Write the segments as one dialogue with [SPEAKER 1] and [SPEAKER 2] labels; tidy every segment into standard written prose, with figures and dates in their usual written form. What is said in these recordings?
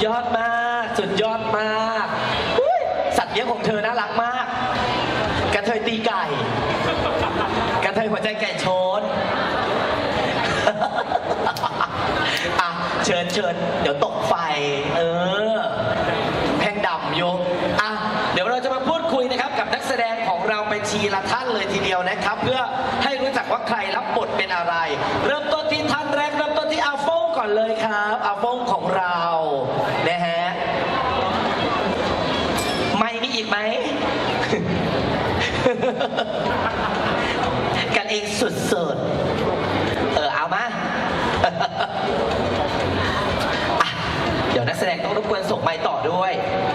[SPEAKER 1] ยอดมากสุดยอดมากสัตว์เลี้ยงของเธอน่ารักมากกระเทยตีไก่กระเทยหัวใจไก่ชนอ่ะเชิญเดี๋ยวตกไฟแพงดำโยอ่ะเดี๋ยวเราจะมาพูดคุยนะครับกับนักแสดงของเราไปทีละท่านเลยทีเดียวนะครับเพื่อให้รู้จักว่าใครรับบทเป็นอะไรเริ่มต้นที่ท่านแรกเริ่มต้นที่อาโฟงก่อนเลยครับอาโฟงของเรานะฮะไม่มีอีกไหม กันเองสุดๆเอามา เดี๋ยวนักแสดงต้องรบกวนส่งไมค์ต่อด้วย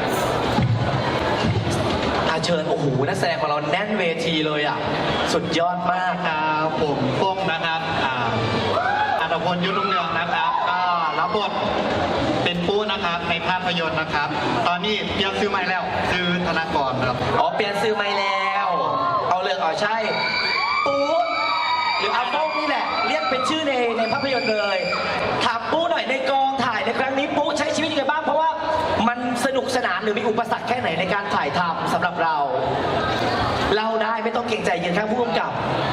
[SPEAKER 1] เชิญโอ้โหนักแสดงของเราแน่นเวทีเลยอ่ะสุดยอดมาก
[SPEAKER 2] ครับผมโป้งนะครับอัตพลยุทธรุ่งเรืองนะครับก็รับบทเป็นปู้นะครับในภาพยนตร์นะครับ ตอนนี้เปลี่ยนซื้อใหม่แล้วซื้อธนากรครับ
[SPEAKER 1] เปลี่ยนซื้อใหม่แล้วเอาเลยใช่ปูหรืออาโป้งนี่แหละเรียกเป็นชื่อในภาพยนตร์เลยถามปูหน่อยในกองถ่ายในครั้งนี้ปูใช้ชีวิตยังไงบ้างเพราะว่ามันสนุกสนานหรือมีอุปสรรคแค่ไหนในการถ่ายทำสำหรับเราได้ไม่ต้องเกรงใจยืนข้างผู้กำกับ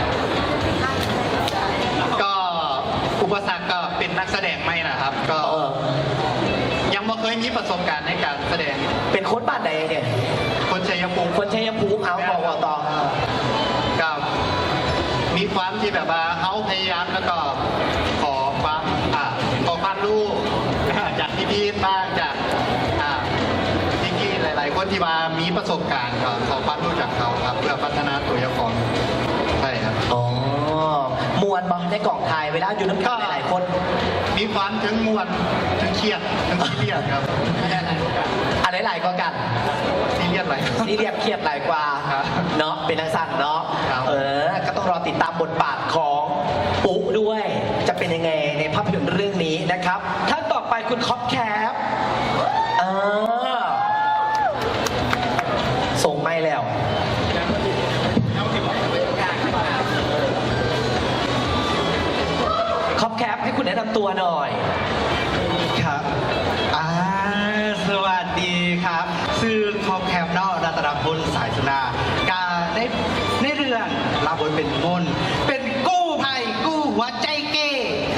[SPEAKER 2] ก็อุปสรรคก็เป็นนักแสดงไม่นะครับก็ยังไม่เคยมีประสบการณ์ในการแสดง
[SPEAKER 1] เป็นคนบ้านใดเนี่ย
[SPEAKER 2] คนชัยภูมิ
[SPEAKER 1] เอาบอกต่อ
[SPEAKER 2] ก็มีความที่แบบว่าเขาพยายามแล้วก็ขอความรู้จากพี่ๆบ้างจากพี่ๆหลายๆคนที่มามีประสบการณ์ก็ขอความรู้จากเขาครับเพื่อพัฒนาตัวเองใช่ครับ
[SPEAKER 1] มวนบอลในกล่องถ่ายเวลาอยู่น้ำกันหลายคน
[SPEAKER 2] มีความถึงมวนถึงเครียดถึงซีเรียสครับ
[SPEAKER 1] อะไรหลายกว่ากัน
[SPEAKER 2] ซีเรียสหลาย
[SPEAKER 1] ซีเรียสเครียดหลายกว่าเนาะเป็นนักสั่นเนาะก็ต้องรอติดตามบทบาทของปุ๊ด้วยจะเป็นยังไงในภาพยนตร์เรื่องนี้นะครับท่านต่อไปคุณคอปแคปส่งไม่แล้วคอปแคปให้คุณแนะนำตัวหน่อย
[SPEAKER 2] ครับสวัสดีครับชื่อคอปแคปนอกรัตนพลสายสุนาการในเรื่องรับบทเป็นมนเป็นกู้ภัยกู้หัวใจเก้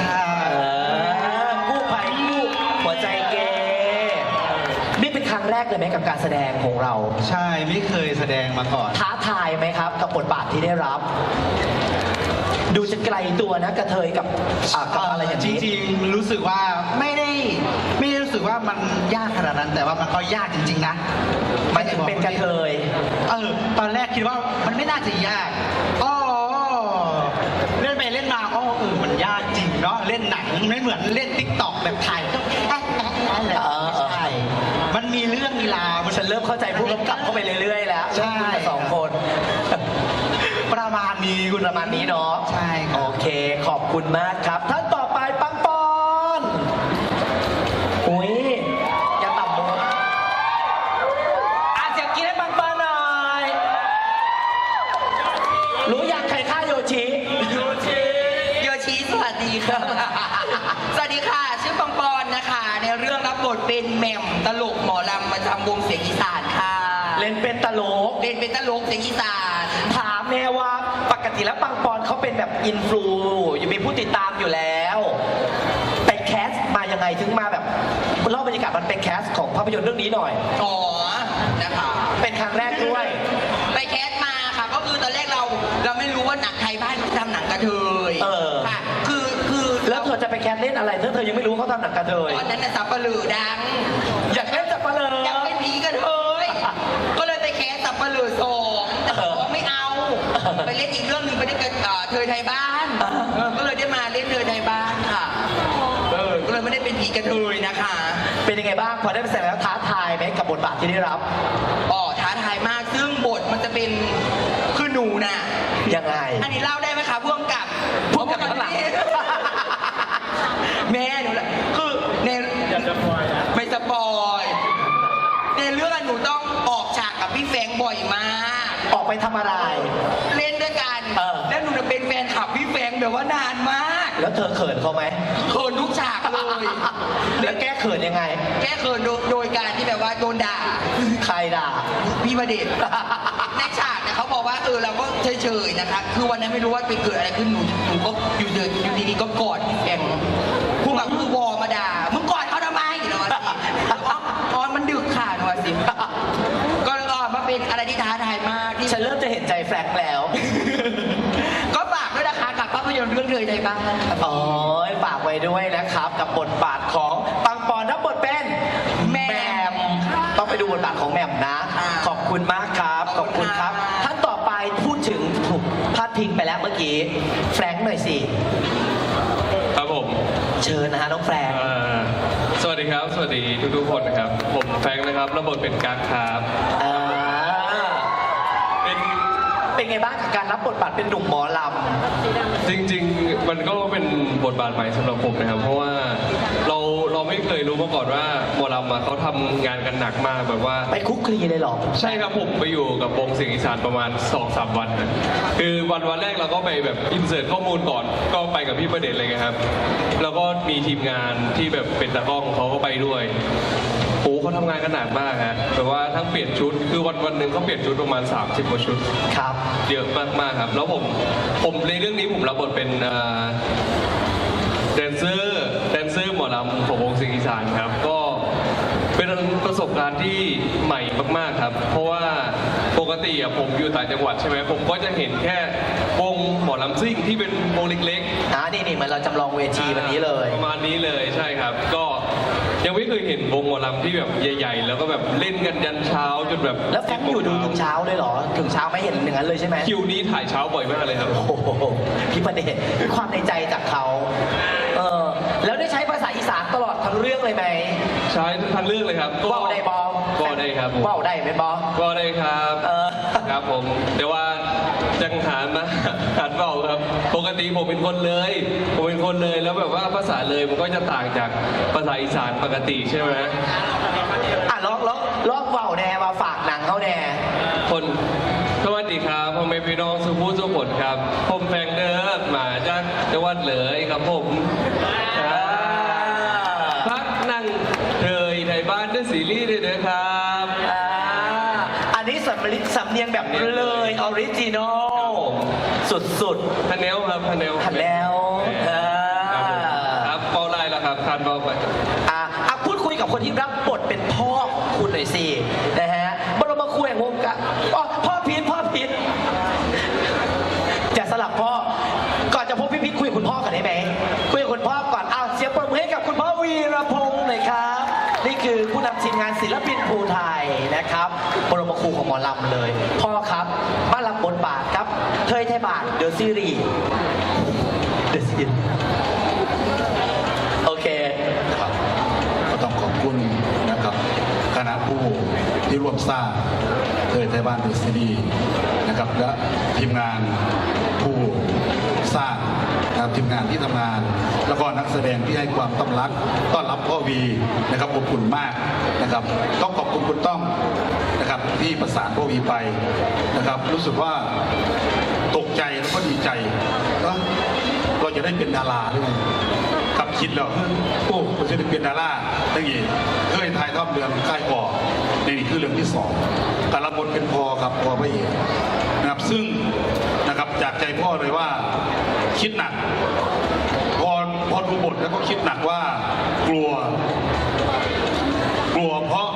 [SPEAKER 1] กู้ภัยกู้หัวใจเก้นี่เป็นครั้งแรกเลยไหมกับการแสดงของเรา
[SPEAKER 2] ใช่ไม่เคยแสดงมาก่อน
[SPEAKER 1] ท้าทายไหมครับกับบทบาทที่ได้รับดูจะไกลตัวนะกระเทยกับอะไรอย่างนี้
[SPEAKER 2] จริงๆรู้สึกว่าไม่ได้รู้สึกว่ามันยากขนาดนั้นแต่ว่ามันก็ยากจริงๆนะ
[SPEAKER 1] ไม่ถึงเป็นกระเทย
[SPEAKER 2] ตอนแรกคิดว่ามันไม่น่าจะยากเล่นไปเล่นมามันยากจริงเนาะเล่นหนังไม่เหมือนเล่นติ๊กต็อกแบบถ่ายก็ใช่มันมีเรื่องมีราว
[SPEAKER 1] ฉันเริ่มเข้าใจผู้กำกับเข้าไปเรื่อยๆแล้ว
[SPEAKER 2] ใช่
[SPEAKER 1] สองคน
[SPEAKER 2] ประมาณนี้
[SPEAKER 1] คุณประมาณนี้เนาะ
[SPEAKER 2] ใช่
[SPEAKER 1] โอเคขอบคุณมากครับท่านต่อไปปังปอนอุ้ยอย่าต่ำมุกเสียงกินให้ปังปอนหน่อยรู้อยากใครฆ่าโยชิ
[SPEAKER 3] สวัสดีครับสวัสดีค่ะชื่อปังปอนนะคะในเรื่องรับบทเป็นแหม่มตลกหมอลำมาทำวงเสียงอีสานค่ะ
[SPEAKER 1] เล่นเป็นตลก
[SPEAKER 3] เสียงอีสาน
[SPEAKER 1] ถามแม่ว่าปกติแล้วปังปอนเขาเป็นแบบอินฟลูอยู่มีผู้ติดตามอยู่แล้วไปแคสมายังไงถึงมาแบบเล่าบรรยากาศมันเป็นแคสของภาพยนตร์เรื่องนี้หน่อย
[SPEAKER 3] นะคะ
[SPEAKER 1] เป็นครั้งแรกด้วย
[SPEAKER 3] ไปแคสมาค่ะก็คือตอนแรกเราไม่รู้ว่าหนังไทยบ้านเขาทำหนังกระเทยค่ะคือ
[SPEAKER 1] แล้วเธอจะไปแคสเล่นอะไรเธอยังไม่รู้เขาทำหนังกระเทย
[SPEAKER 3] ตอนนั้นสับปะเหร่อดัง
[SPEAKER 1] อยากเล่นสับปะเหร่อ
[SPEAKER 3] อยากเป็นผีกระเทยก็เลยไปแคสสับปะเหร่อ2แต่บอกไม่เอาไปเล่นอีกเรื่องนึงไปเล่นเทยไทยบ้านก็เลยได้มาเล่นเทยไทยบ้านค่ะก็เลยไม่ได้เป็นผีกระเทยนะคะ
[SPEAKER 1] เป็นยังไงบ้างพอได้ไปแสดงแล้วท้าทายไหมกับบทบาทที่ได้รับ
[SPEAKER 3] ท้าทายมากซึ่งบทมันจะเป็นคือหนูน่ะ
[SPEAKER 1] ยังไง
[SPEAKER 3] อันนี้เล่าได้ไหมคะพ่วงกับ
[SPEAKER 1] ข้างหลัง
[SPEAKER 3] แม่หนูแหละคือในไม่สปอยในเรื่องหนูต้องออกฉากกับพี่แฟงบ่อยมาก
[SPEAKER 1] ออกไปทำอะไร
[SPEAKER 3] เล่นด้วยกัน
[SPEAKER 1] เออ
[SPEAKER 3] แล้วหนูจะเป็นแฟนคลับพี่แฟงแบบว่านานมาก
[SPEAKER 1] แล้วเธอเขินเขาไหม
[SPEAKER 3] เขินทุกฉากเลย
[SPEAKER 1] แล้วแก้เขินยังไง
[SPEAKER 3] แก้เขินโดยการที่แบบว่าโดนด่า
[SPEAKER 1] ใครด่า
[SPEAKER 3] พี่ประเด็น ในฉากเนี่ยเขาบอกว่าเราก็เฉยๆนะคะคือวันนั้นไม่รู้ว่าไปเกิดอะไรขึ้นหนูก็อยู่ดีๆก็กอดพี่แฟงผู้กับคือวอมาด่ามึงกอดเขาทำไมหนูว่าสิอ๋อมันดึกค่ะหนูว่าสิก็เลยมาเป็นอะไรที่ท้าทายมากที่
[SPEAKER 1] ฉันเริ่มจะเห็นใจแฟลกแล้ว
[SPEAKER 3] ก็ฝากด้วยนะคะกับภาพยนตร์เรื่องเธอใจบ้างครับ
[SPEAKER 1] โอ้ยฝากไว้ด้วยนะครับ กับบทบาทของปังปอนรับบทเป็นแหมมต้องไปดูบทบาทของแหมมนะ ขอบคุณมากครับ ขอบคุณครับ ท่านต่อไปพูดถึงถูกพาดพิงไปแล้วเมื่อกี้ แฟรงค์หน่อยสิ
[SPEAKER 4] ครับผม
[SPEAKER 1] เชิญนะฮะน้องแฟรงค์
[SPEAKER 4] สวัสดีครับ สวัสดีทุกๆคนนะครับ ผมแฟรงค์นะครับรับบทเป็นกั๊กครับ
[SPEAKER 1] อ่า
[SPEAKER 4] เป็น
[SPEAKER 1] เป็นไงบ้างกับการรับบทบาทเป็นหนุ่มหมอล
[SPEAKER 4] จริงๆ มันก็เป็นบทบาทใหม่สำหรับผมนะครับ เพราะว่าเราไม่เคยรู้มาก่อนว่าหมอลำเขาทำงานกันหนักมากแบบว่า
[SPEAKER 1] ำไปคุกคลีเลยเหรอ
[SPEAKER 4] ใช่ครับผมไปอยู่กับวงเสียงอีสานประมาณ 2-3 วันนะคือวันแรกเราก็ไปแบบอินเสิร์ตข้อมูลก่อน ก็ไปกับพี่ประเด็นเลยครับ แล้วก็มีทีมงานที่แบบเป็นตากล้องเขาก็ไปด้วยโอ้เขาทำงานกันหนักมากฮะแต่ว่าทั้งเปลี่ยนชุดคือวันหนึ่งเขาเปลี่ยนชุดประมาณ30 กว่าชุด
[SPEAKER 1] ครับ
[SPEAKER 4] เยอะมากๆครับ แล้วผมในเรื่องนี้ผมรับบทเป็นแดนเซอร์หมอลำของวงเสียงอีสานครับ ก็เป็นประสบการณ์ที่ใหม่มากๆครับ เพราะว่าปกติอะผมอยู่ต่างจังหวัดใช่ไหมผมก็จะเห็นแค่วงหมอลำซิ่งที่เป็นวงเล็กๆ
[SPEAKER 1] นี่เหมือนเราจำลองเวทีวันนี้เลย
[SPEAKER 4] ประมาณนี้เลยใช่ครับ ก็ยังไม่เคยเห็นวงหมอลำที่แบบใหญ่ ๆ แล้วก็แบบเล่นกันยันเช้าจนแบบ
[SPEAKER 1] แล้วแฟรงค์อยู่ดูถึงเช้าเลยเหรอ ถึงเช้าไม่เห็นอย่างนั้นเลยใช่ไหม
[SPEAKER 4] คิวนี้ถ่ายเช้าบ่อยมากเลยครับ
[SPEAKER 1] โอ้โหพี่ประเดชด้วยความในใจจากเขาแล้วได้ใช้ภาษาอีสานตลอดทั้งเรื่องเลยไหม
[SPEAKER 4] ใช้ทั้งเรื่องเลยครับ
[SPEAKER 1] ว่าวได้บอ
[SPEAKER 4] ว่าวได้ครับผม
[SPEAKER 1] ว่าวได้ไหมบอ
[SPEAKER 4] ว่าวได้ครับ
[SPEAKER 1] เออ
[SPEAKER 4] ครับผมแต่ว่าจังหารนะหัดเบาครับ ปกติผมเป็นคนเลยแล้วแบบว่าภาษาเลยมันก็จะต่างจากภาษาอีสานปกติใช่ไหม
[SPEAKER 1] ลองว่าวแน่มาฝากหนังเขาแน่
[SPEAKER 4] คนสวัสดีครับพ่อแม่พี่น้องสุภูสุขนครับผมแฟงเดอร์มาจากจังหวัดเลยครับผมพักนั่งเทยไทยบ้านด้วยซีรีส์ด้วยนะครับ
[SPEAKER 1] อันนี้สำเนียงแบบเลยออริจินอลสุด
[SPEAKER 4] ทันแนวครับทันแนว
[SPEAKER 1] ๆทันแล้ว
[SPEAKER 4] ครับเป้าไล่แล้วครับทานเป้าไป
[SPEAKER 1] พูดคุยกับคนที่รับบทเป็นพ่อของคุณหน่อยสินะฮะบรมครูแห่งวงการพ่อพิษจะสลับพ่อก่อนจะพบพี่พิษคุยกับคุณพ่อกันได้ไหมคุยกับคุณพ่อก่อนเสียงปรบมือให้กับคุณพ่อวีรพงศ์หน่อยครับนี่คือผู้นำทีมงานศิลปินภูไทยนะครับบรมครูของหมอลำเลยพ่อครับมารับบทบาทครับเทยไทยบาทเดอะซีรีส์โอเค
[SPEAKER 5] ครับก็ต้องขอบคุณนะครับคณะผู้ที่ร่วมสร้างเทยไทยบ้านเดอะซีรีส์นะครับและทีมงานผู้สร้างนะครับทีมงานที่ทำงาน แล้วก็นักแสดงที่ให้ความต้อนรับพ่อวีนะครับอบอุ่นมากนะครับต้องขอบคุณคุณต้องนะครับที่ประสานพ่อวีไปนะครับรู้สึกว่าตกใจแล้วก็ดีใจว่าเราจะได้เป็นดาราด้วยกับคิดแล้วโอ้ผมจะได้เป็นดาราตั้งยี่เคยถ่ายทอดเรื่องค่ายก่อในนี่คือเรื่องที่สองการรับบทเป็นพ่อครับพ่อพระเอกนะครับซึ่งนะครับจากใจพ่อเลยว่าคิดหนักพอดูบทแล้วก็คิดหนักว่ากลัวเพราะ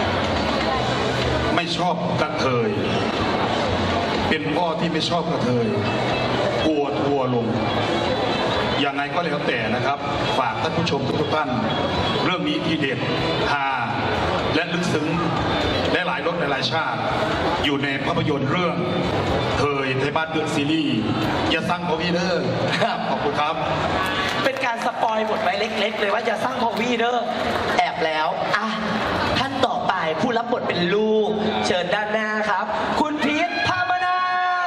[SPEAKER 5] ไม่ชอบกระเทยเป็นพ่อที่ไม่ชอบกระเทยกลัวทัวร์ลงยังไงก็แล้วแต่นะครับฝากท่านผู้ชมทุกท่านเรื่องนี้ทีเด็ดฮาและลึกซึ้งและหลายรสหลายชาติอยู่ในภาพยนตร์เรื่องเทยไทยบ้านเดอะซีรีส์อย่าสร้างพอวีเดอร์ขอบคุณครับ
[SPEAKER 1] เป็นการสปอยบทไว้เล็กๆเลยว่าจะสร้างพอวีเดอร์แอบแล้วท่านต่อไปผู้รับบทเป็นลูกเชิญด้านหน้าครับ คุณพีทพามนา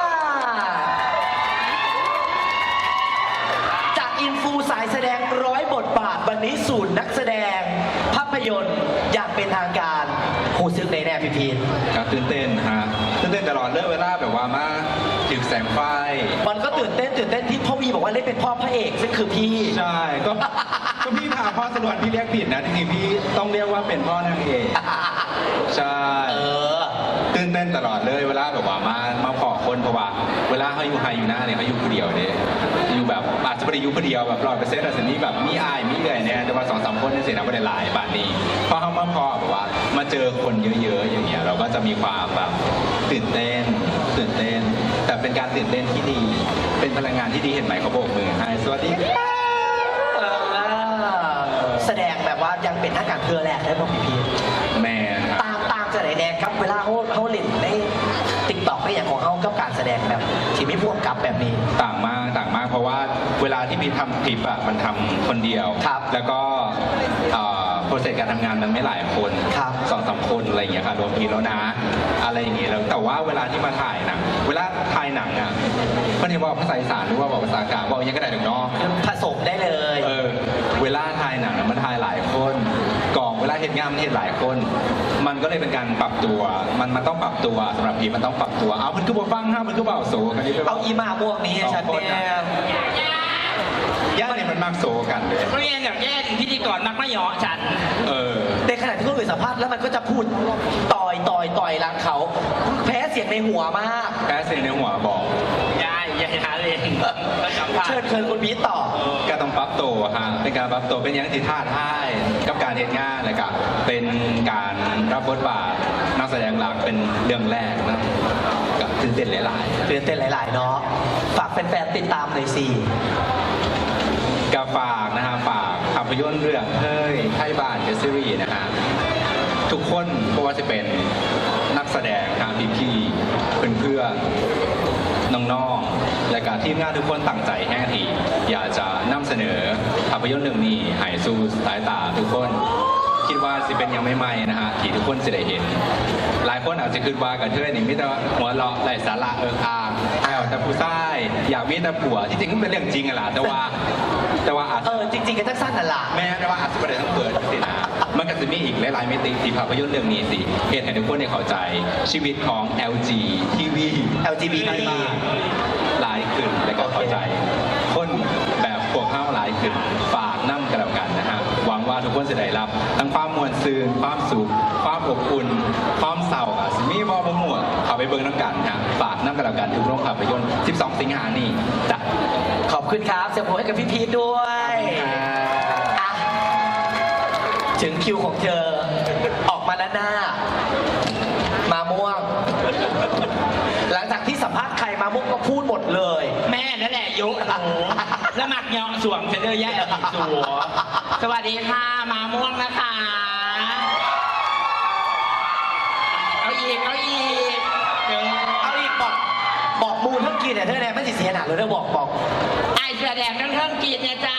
[SPEAKER 1] จากอินฟูสายแสดง100 บทบาทวันนี้ศูนย์นักแสดงภาพยนตร์อย่างเป็นทางการหูซึกในแน่พี่พีท
[SPEAKER 6] ครับตื่นเต้นฮะตื่นเต้นตลอดเลยเวลาแบบว่ามาถึงแสงไฟ
[SPEAKER 1] มันก็ตื่นเต้นที่พ่อวีบอกว่าเล่นเป็นพ่อพระเอกซึ่งคือพี่
[SPEAKER 6] ใช่ก็พี่พาพ่อสนวนพี่เรียกผิดนะจริงๆพี่ต้องเรียกว่าเป็นพ่อนางเอกใช่
[SPEAKER 1] เออ
[SPEAKER 6] ตื่นเต้นตลอดเลยเวลาแบบว่ามาขอคนเพราะว่าเวลาเขาอยู่ไฮอยู่หน้าเนี่ยเขาอยู่คนเดียวเนี่ยอยู่แบบอาจจะไม่ได้อยู่คนเดียวแบบ100%อาจจะมีแบบมีอายมีเอื่อยเนี่ยแต่ว่า2-3 คนนี่สินะไม่ได้หลายบาทนี้พอเขามาพอแบบว่ามาเจอคนเยอะๆอย่างเงี้ยเราก็จะมีความแบบตื่นเต้น แต่เป็นการตื่นเต้นที่ดี เป็นพลังงานที่ดีเห็นไหมเขาโบกมือให้สวัสดีครับ
[SPEAKER 1] แสดงแบบว่ายังเป็นนักการเพื่อแรกได้พ่อพี่
[SPEAKER 6] แม่นะครับ
[SPEAKER 1] ตามจะไหนแดงครับเวลาเขาเล่นในติ๊กต็อกในอย่างของเขากับการแสดงแบบที่ไม่พ่วงกับแบบนี้
[SPEAKER 6] ต่างมากเพราะว่าเวลาที่พี่ทำคลิปอ่ะมันทำคนเดียว
[SPEAKER 1] ครับ
[SPEAKER 6] แล้วก็โปรเซสการทำงานมันไม่หลายคน
[SPEAKER 1] ครับ
[SPEAKER 6] 2-3 คนอะไรอย่างเงี้ยค่ะรวมทีแล้วนะ อะไรอย่างเงี้ยแล้วแต่ว่าเวลาที่มาถ่ายหนังเวลาถ่ายหนังอ่ะไม่ได้ว่าภาษาอีสานหรือว่าบอกภาษากลางบอกยังก็ได้ถึงเนาะ
[SPEAKER 1] ผสมได้เลย
[SPEAKER 6] เวลาถ่ายหนังมันถ่ายหลายคนกองเวลาเห็นงานมันเห็นหลายคน มันก็เลยเป็นการปรับตัวมันต้องปรับตัวสำหรับพี่มันต้องปรับตัวเอามันคือบ่ฟังห้ามันคือบ่าวโซกันนี่ไป
[SPEAKER 1] เอาอีมาม่วงนี้ให้ฉันแน่
[SPEAKER 6] ย่าเนี่ยมันมากโซกันเลย
[SPEAKER 3] เพราะงั้นอย่างแย่พิธีกรมักไม่หยอฉัน
[SPEAKER 1] ในขณะที่คนอื่นสัมภาษณ์แล้วมันก็จะพูดต่อยหลังเขา แพ้เสียงในหัวมาก
[SPEAKER 6] แพ้เสียงในหัวบอก
[SPEAKER 3] ยายหาเองก็สัมภาษ
[SPEAKER 1] เชิญ
[SPEAKER 3] ณ์
[SPEAKER 1] คุณบีทต่อ
[SPEAKER 6] ก็ต้องปรับตัวฮะเป็นการปรับตัวเป็นอยังที่ท้าทายกับการเรียนงานเลยกับเป็นการรับบทบาทนักแสดงหลักเป็นเรื่องแรกนะกับตื่นเต้นหลายๆ
[SPEAKER 1] ตื่นเต้นหลาย ๆ เนาะ ฝากแฟนๆติดตามหน่อยสิ
[SPEAKER 6] ก็ฝากนะฮะฝากภาพยนตร์เรื่องเฮ้ยไทยบ้านเดอะซีรีส์นะฮะทุกคนก็ว่าจะเป็นนักแสดงทางพี่ๆเพื่อนๆน้องๆและการทีมงานทุกคนตั้งใจแห้งทีอยากจะนำเสนอภาพยนตร์เรื่องนี้ให้สู่สายตาทุกคน คิดว่าสิเป็นยังไม่ใหม่นะฮะที่ทุกคนจะได้เห็น หลายคนอาจจะคิดว่ากันเทยนี่มิแต่หัวเราะไร้สาระอ่างเอาแต่ผู้ชายอยากมีแต่ผัวที่จริงมันเป็นเรื่องจริงอะล่ะแต่ว่าอาจจะ
[SPEAKER 1] จริง ๆ กันทั้งสั้นนั่นล่ะ
[SPEAKER 6] แม้แต่ว่าอาจจะไม่ได้ทั้งเปิดสินะมันก็จะมีอีกหลายๆมิติที่ภาพยนตร์เรื่องนี้สิเหตุให้ทุกคนได้เข้าใจชีวิตของ LG TV
[SPEAKER 1] LGBT
[SPEAKER 6] หลายขึ้นและก็เข้าใจ คนแบบพวกเข้าหลายขึ้นฝากน้ำกันแล้วกันนะฮะหวังว่าทุกคนจะได้รับทั้งความมวลซืนความสุขความอบอุ่นความเศร้าอ่ะสิมีบอบ่หมวดเข้าไปเบิ่งน้ำกันนะฝากน้ำกันแล้วกันทุกโรงภาพยนตร์ 12 สิงหานี่จ้ะ
[SPEAKER 1] ขอบคุณครับเสียงผมให้กับพี่พีทด้วยอ่ะถึงคิวของเธอ ออกมาด้านหน้า มาม่วง หลังจากที่สัมภาษณ์ใครมาม่วงก็พูดหมดเลย
[SPEAKER 3] แม่นั่นแหละยุหนูแล้วหมักเหยาะสวมเฉลยแย่อีกสัวสวัสดีค่ะมาม่วงนะคะ เอาอีกเดี๋ยว
[SPEAKER 1] เอาอีกบอกมูลเท่ากินเนี่ยเธอเนี่ยไม่สิเสียหนักเลยเธอบอก
[SPEAKER 3] ไอ้แสดงทั้งเทิงกีดเนี่ยจ้า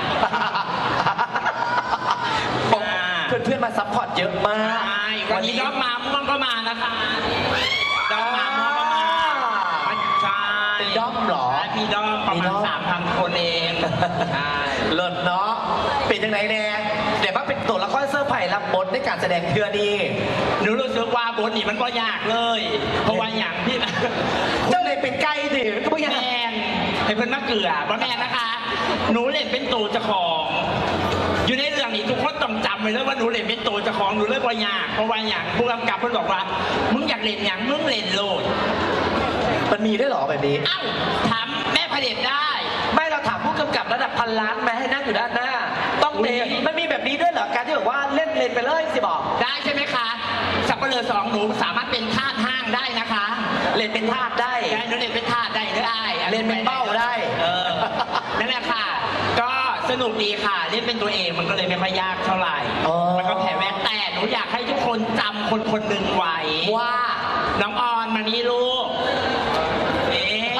[SPEAKER 1] เพื่อนๆมาซัพพอร์ตเยอะมาก
[SPEAKER 3] ใช่วันนี้ด้อมมาม่วงก็มานะคะด้อมมาม่วงก็มาใช่
[SPEAKER 1] เป็นด้อมเหรอ
[SPEAKER 3] มีด้อมประมาณ 3,000 คนเองใช่
[SPEAKER 1] เลิศเนาะเป็นยังไงแน่เดี๋ยวมาเป็นตัวละครเซอร์ไพรส์รับบทในการแสดงเทือดี
[SPEAKER 3] หนูรู้สึกว่าบทนี้มันก็ยากเลย เพราะว่าอย่างที่
[SPEAKER 1] เจ้าเลยเป็นไก่สิก็ไม่
[SPEAKER 3] แม
[SPEAKER 1] ยัง
[SPEAKER 3] นให้เพิ่นมาเกลือบ่แมนนะคะ หนูเล่นเป็นตัวเจ้าของ อยู่ในเรื่องนี้ทุกคนต้องจำไว้เลยว่าหนูเล่นเป็นตัวเจ้าของหนูเลยบ่ยากเพราะว่าอย่างผู้กำกับเพิ่นบอกว่ามึงอยากเล่นอย่างมึงเล่นโลด
[SPEAKER 1] มันมีด้วยเหรอแบบนี้
[SPEAKER 3] เอ้าถามแม่เผด็จได้
[SPEAKER 1] ไม่เราถามผู้กำกับระดับพันล้านไหมให้นั่งอยู่ด้านหน้า ต้องเตะมันมีแบบนี้ด้วยเหรอการที่แบบว่าเล่นไปเลยสิบอก
[SPEAKER 3] ได้ใช่ไหมคะสับปะเลอ2หนูสามารถเป็นทาสห้างได้นะคะ
[SPEAKER 1] เล่นเป็นทาสได้
[SPEAKER 3] ได้หนูเล่นเป็นทาสได้ได้
[SPEAKER 1] เล่นเป็นเป้าได้
[SPEAKER 3] นั่นแหละค่ะ ก็สนุกดีค่ะ เล่นเป็นตัวเองมันก็เลยไม่ค่อยยากเท่าไหร่
[SPEAKER 1] อ๋อ
[SPEAKER 3] มันก็แผ่แว่นแต่หนูอยากให้ทุกคนจำคนคนหนึ่งไว้
[SPEAKER 1] ว่า
[SPEAKER 3] น้องออนมานี่ลูกเอ๊ะ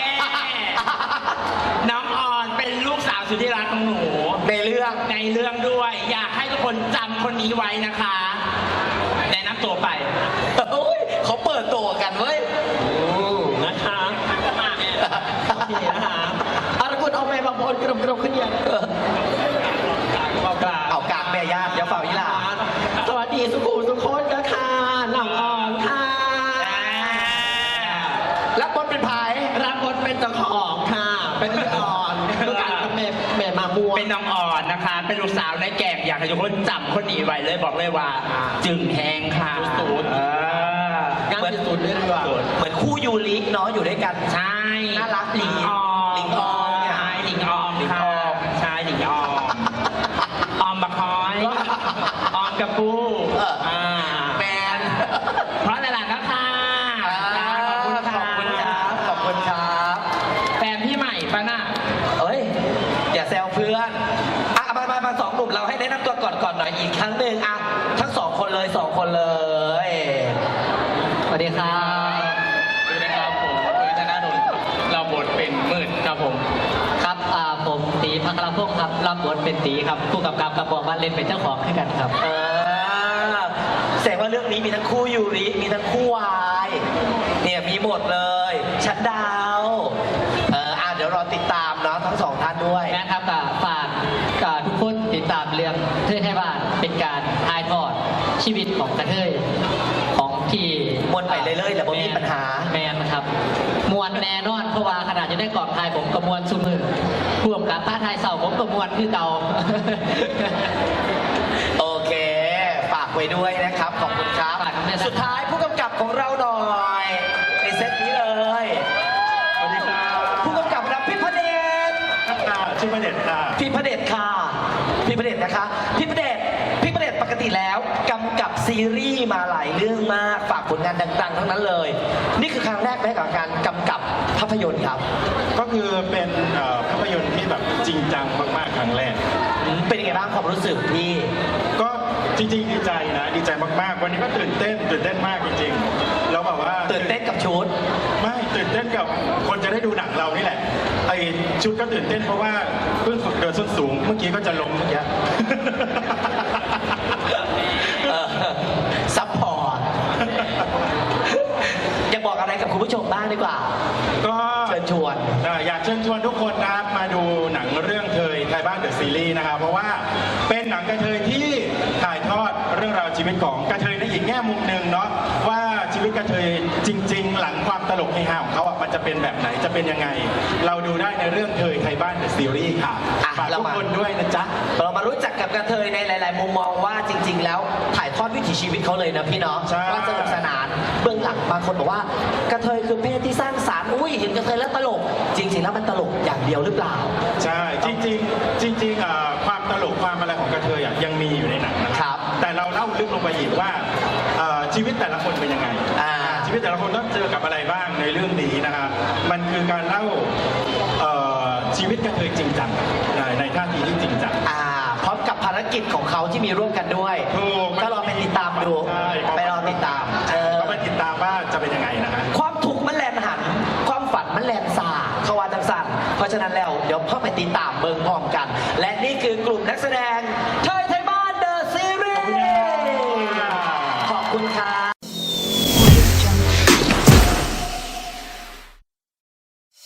[SPEAKER 3] น้องออนเป็นลูกสาวสุดที่รักของหนู
[SPEAKER 1] ในเรื่อง
[SPEAKER 3] ในเรื่องด้วย อยากให้ทุกคนจำคนนี้ไว้นะคะแนะนำตัวไป
[SPEAKER 1] โอ้ยเขาเปิดตัวกันเว้ย
[SPEAKER 3] นะคะมาเนี่ยโอเคนะคะ
[SPEAKER 1] เอาละคุณเอาแม่บางคนกรมขึ้นยัง
[SPEAKER 3] เอากลาง
[SPEAKER 1] เอากากแม่ญาติเดี๋ยวเป่ายี่หล่า
[SPEAKER 3] สวัสดีสุขุมสุขคนนะคะน้องออนค่ะ
[SPEAKER 7] เจ้าของค่ะ เป็นพี่อ่อนลูกการกับแม่มาม่วง
[SPEAKER 3] เป็นน้องอ่อนนะคะ เป็นลูกสาวในแก่อยากให้ทุกคนจำคนนี้ไว้เลยบอกเลยว่า จึงแหงค่ะ
[SPEAKER 7] ศูนย์ งานที่สุดเลยดีกว่า
[SPEAKER 1] เหมือนคู่ยูริเนาะอยู่ด้วยกัน
[SPEAKER 3] ใช่
[SPEAKER 1] น่ารักดี
[SPEAKER 3] หลิงออม
[SPEAKER 1] หลิงออมเนี่ย
[SPEAKER 3] ใช่หลิงออม
[SPEAKER 1] หลิง
[SPEAKER 3] ค่ะ
[SPEAKER 1] ออม
[SPEAKER 3] ใช่หลิงออมออมบะคอยออมกระปู
[SPEAKER 1] แมน
[SPEAKER 3] เพราะหลานๆนะคะ
[SPEAKER 1] ขอบคุณครับ ขอบคุณครับ
[SPEAKER 3] แฟนพี่ใหม่ปะน่ะ
[SPEAKER 1] เอ้ย อย่าแซวเพื่อนอ่ะมาสองหนุ่มเราให้แนะนำตัวก่อนหน่อยอีกครั้งหนึ่งอ่ะทั้งสองคนเลย
[SPEAKER 7] สวัสดีครับ
[SPEAKER 4] สวัสดีครับผมคือธนาดลเราบทเป็นมืดครับผม
[SPEAKER 7] ครับผมตีพัครพงศ์ครับรับบทเป็นตีครับผู้กำกับกับบอกว่าเล่นเป็นเจ้าของให้กันครับ
[SPEAKER 1] แสดงว่าเรื่องนี้มีทั้งคู่ยูริมีทั้งคู่วายเนี่ยมีหมดเลยชัดดาวเดี๋ยวรอติดตามเนาะทั้งสองท่านด้วย
[SPEAKER 7] นะครับฝากทุกคนติดตามเรื่องเทยไทยบ้านเป็นการถ่ายทอดชีวิตของกระเทยของที่
[SPEAKER 1] มวนไปเรื่อยๆแล้วบ่มีปัญหา
[SPEAKER 7] แมนครับมวนแน่นอนเพราะว่าขนาดจะได้กองถ่ายผมก็มวนซุมือพ่วงกับป้าไทยเสาผมก็มวนคือเก่า
[SPEAKER 1] โอเคฝากไว้ด้วยนะครับ ขอบคุณครับ
[SPEAKER 7] ฝากด้วยนะครับ
[SPEAKER 1] สุดท้ายผู้กำกับของเราหน่อยในเซตนี้เลย
[SPEAKER 2] สวัสดีครับ
[SPEAKER 1] ผู้กำกับรับพี่พระเดช
[SPEAKER 2] ชื่อประเด็นค่ะ
[SPEAKER 1] พี่พระเดชค่ะพี่พระเดชนะคะพี่พระเดชปกติแล้วกำกับซีรีส์มาหลายเรื่องมากฝากผลงานดังๆทั้งนั้นเลย นี่คือครั้งแรกไหมกับการกำกับภาพยนตร์ครับ
[SPEAKER 8] ก็คือเป็นภาพยนตร์ที่แบบจริงจังมากๆครั้งแรก
[SPEAKER 1] เป็นยังไงบ้างความรู้สึกพี่
[SPEAKER 8] ก็จริงๆดีใจนะดีใจมากๆ วันนี้ก็ตื่นเต้นมากจริงๆแล้วแบบว่า
[SPEAKER 1] ตื่นเต้นกับชุด
[SPEAKER 8] ไม่ตื่นเต้นกับคนจะได้ดูหนังเรานี่แหละไอชุดก็ตื่นเต้นเพราะว่าเพิ่งฝึกเดินส้นสูงเมื่อกี้ก็จะล้มเมื่อกี้
[SPEAKER 1] ซัพพอร์ต อยากบอกอะไรกับคุณผู้ชมบ้างดีกว่า
[SPEAKER 8] ก็
[SPEAKER 1] เชิญชวน
[SPEAKER 8] อยากเชิญชวนทุกคนนะครับมาดูหนังเรื่องเทยไทยบ้านเดอะซีรีส์นะครับเพราะว่าเป็นหนังกระเทยที่ถ่ายทอดเรื่องราวชีวิตของกระเทยในอีกแง่มุมหนึ่งเนาะว่าชีวิตกระเทยจริง ๆ หลังความตลกเฮฮาของเขาอ่ะมันจะเป็นแบบไหนจะเป็นยังไง เราดูได้ในเรื่องเทยไทยบ้านเดอะซีรีส์ค่ะ
[SPEAKER 1] อ่ะ
[SPEAKER 8] ฝากทุกคนด้วยนะจ๊ะ
[SPEAKER 1] เรามารู้จักกับกระเทยในหลาย ๆ มุมมองว่าจริง ๆ แล้วถ่ายทอดวิถีชีวิตเขาเลยนะพี่เนาะ
[SPEAKER 8] ใช่
[SPEAKER 1] ว่าสนุกสนานเบื้องหลังบางคนบอกว่ากระเทยคือเพศที่สร้างสรรค์อุ้ยเห็นกระเทยแล้วตลก จริง ๆ แล้วมันตลกอย่างเดียวหรือเปล่า
[SPEAKER 8] ใช่จริงความตลกความอะไรของกระเทยอ่ะยังมีอยู่ในหนังนะครับ แต่เราเล่าลึกลงไปอีกว่าชีวิตแต่ละคนเป็นยังไง ชีวิตแต่ละคนต้องเจอกับอะไรบ้างในเรื่องนี้นะครับมันคือการเล่าชีวิตกระเทยจริงจังในท่าทีที่จริงจัง
[SPEAKER 1] พร้อมกับภารกิจของเขาที่มีร่วมกันด้วย
[SPEAKER 8] ถูก
[SPEAKER 1] ก็รอไปติดตามดู
[SPEAKER 8] ใช่
[SPEAKER 1] ไปรอติดตาม
[SPEAKER 8] ก็ไปติดตามว่าจะเป็นยังไงนะฮะ
[SPEAKER 1] ความทุกข์มันแลนหัน ความฝันมันแลนสาเขาว่าจังสันเพราะฉะนั้นแล้วเดี๋ยวพ่อไปติดตามเบิ่งพร้อมกัน และนี่คือกลุ่มนักแสดงเทย